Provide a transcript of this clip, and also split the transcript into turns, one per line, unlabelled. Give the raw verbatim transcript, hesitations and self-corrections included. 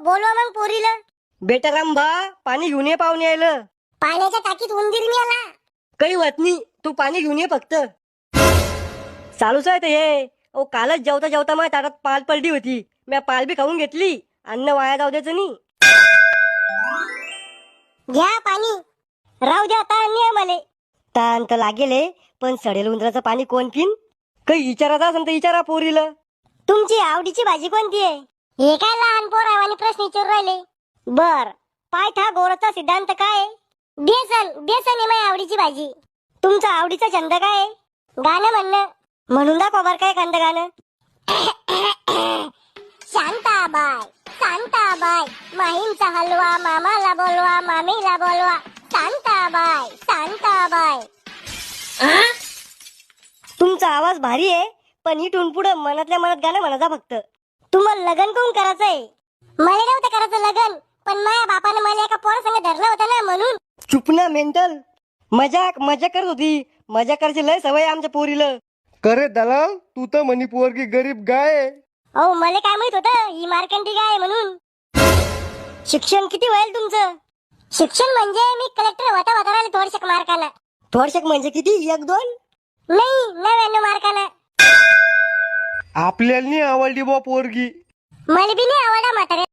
बोलवा मग पोरीला.
बेटा रामभा पाणी घेऊन ये पाहुणे यायला.
पाण्याच्या टाकीत उंदीर मेला.
काही होत नाही, तू पाणी घेऊन ये फक्त. चालूच आहे ते हे. ओ कालच जेवता जेवता माझ्या ताटात पाल पडली होती. मी पाल बी खाऊन घेतली. अन्न वाया जाऊ द्यायचं नाही.
घ्या पाणी. राहू द्या ताण नाही आम्हाला.
ताण तर लागेल हे, पण सडेल उंदराचं पाणी कोण पिन? काही विचारायचं असेल तर विचारा पोरीला.
तुमची आवडीची भाजी कोणती आहे? हे काय लहान पोरावानी प्रश्न विचारू राहिले. बर, पायथागोरसचा सिद्धांत काय आहे? बेसन. बेसन आहे माझी आवडीची भाजी. तुमचा आवडीचा छंद काय आहे? गाणं म्हणणं. म्हणून दाखवा बर काय एखादं गाणं. शांताबाई शांताबाई माहींचा हलवा मामाला बोलवा मामीला बोलवा. शांताबाई शांताबाई.
तुमचा आवाज भारी आहे, पण इथून पुढे मनातल्या मनात गाणं म्हणायचा फक्त.
तुम्हाला लग्न कोण करायचंय? मला नव्हतं करायचं लग्न, पण माझ्या बापाने मला एका पोरासंग धरलं होतं ना म्हणून.
चुप ना मेंटल. मजाक मजा करत होती. मजा करायची लय सवय आहे आमच्या पोरीला.
करे दलाल, तू तर म्हणी पोरगी गरीब गाय आहे.
अहो मला काय माहित होतं ही मार्कंडी गाय आहे म्हणून.
शिक्षण किती होईल तुमचं?
शिक्षण म्हणजे मी कलेक्टर होता होता राहिले थोडशे मार्कानं.
थोडशे म्हणजे किती? एक दोन?
नाही, नव्याण्णव मार्कानं.
आपल्याला नाही आवडली बा पोरगी.
मला बी नाही आवडला म्हातारे.